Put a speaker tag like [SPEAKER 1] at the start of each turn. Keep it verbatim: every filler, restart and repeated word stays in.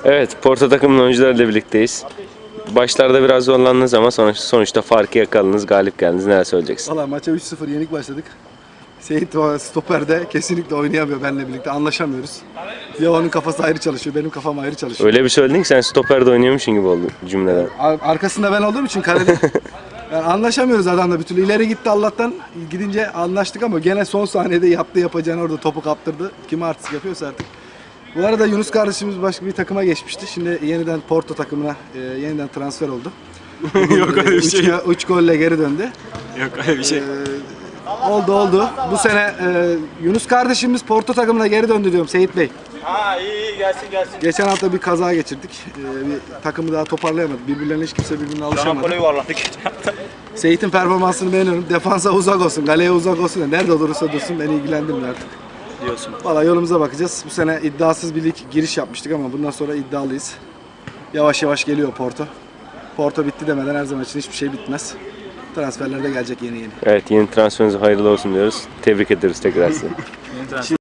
[SPEAKER 1] Evet, Porto takımının oyuncularıyla birlikteyiz. Başlarda biraz zorlandınız ama sonuç, sonuçta farkı yakaladınız, galip geldiniz. Neler söyleyeceksin?
[SPEAKER 2] Valla maça üç sıfır yenik başladık. Seyit o stoperde kesinlikle oynayamıyor benimle birlikte, anlaşamıyoruz. Ya onun kafası ayrı çalışıyor, benim kafam ayrı çalışıyor.
[SPEAKER 1] Öyle bir söyledin ki sen stoperde oynuyormuşsun gibi oldu cümleden.
[SPEAKER 2] Ar- Arkasında ben olduğum için kalede yani anlaşamıyoruz adamla bir türlü. İleri gitti Allah'tan, gidince anlaştık ama gene son saniyede yaptı yapacağını, orada topu kaptırdı. Kim artist yapıyorsa artık. Bu arada Yunus kardeşimiz başka bir takıma geçmişti. Şimdi yeniden Porto takımına e, yeniden transfer oldu.
[SPEAKER 3] Yok öyle bir şey.
[SPEAKER 2] üç golle geri döndü.
[SPEAKER 3] Yok öyle bir şey.
[SPEAKER 2] Ee, oldu oldu. Bu sene e, Yunus kardeşimiz Porto takımına geri döndü diyorum Seyit Bey.
[SPEAKER 3] Ha iyi iyi gelsin gelsin.
[SPEAKER 2] Geçen hafta bir kaza geçirdik. Ee, bir takımı daha toparlayamadı. Birbirlerine hiç kimse birbirine alışamadı.
[SPEAKER 3] yuvarladık.
[SPEAKER 2] Seyit'in performansını beğeniyorum. Defansa uzak olsun, kaleye uzak olsun. Da nerede olursa dursun beni ilgilendirmiyor artık.
[SPEAKER 3] Diyorsun.
[SPEAKER 2] Valla yolumuza bakacağız. Bu sene iddiasız bir lig giriş yapmıştık ama bundan sonra iddialıyız. Yavaş yavaş geliyor Porto. Porto bitti demeden her zaman için hiçbir şey bitmez. Transferler de gelecek yeni yeni.
[SPEAKER 1] Evet, yeni transferiniz hayırlı olsun diyoruz. Tebrik ederiz tekrar sizi.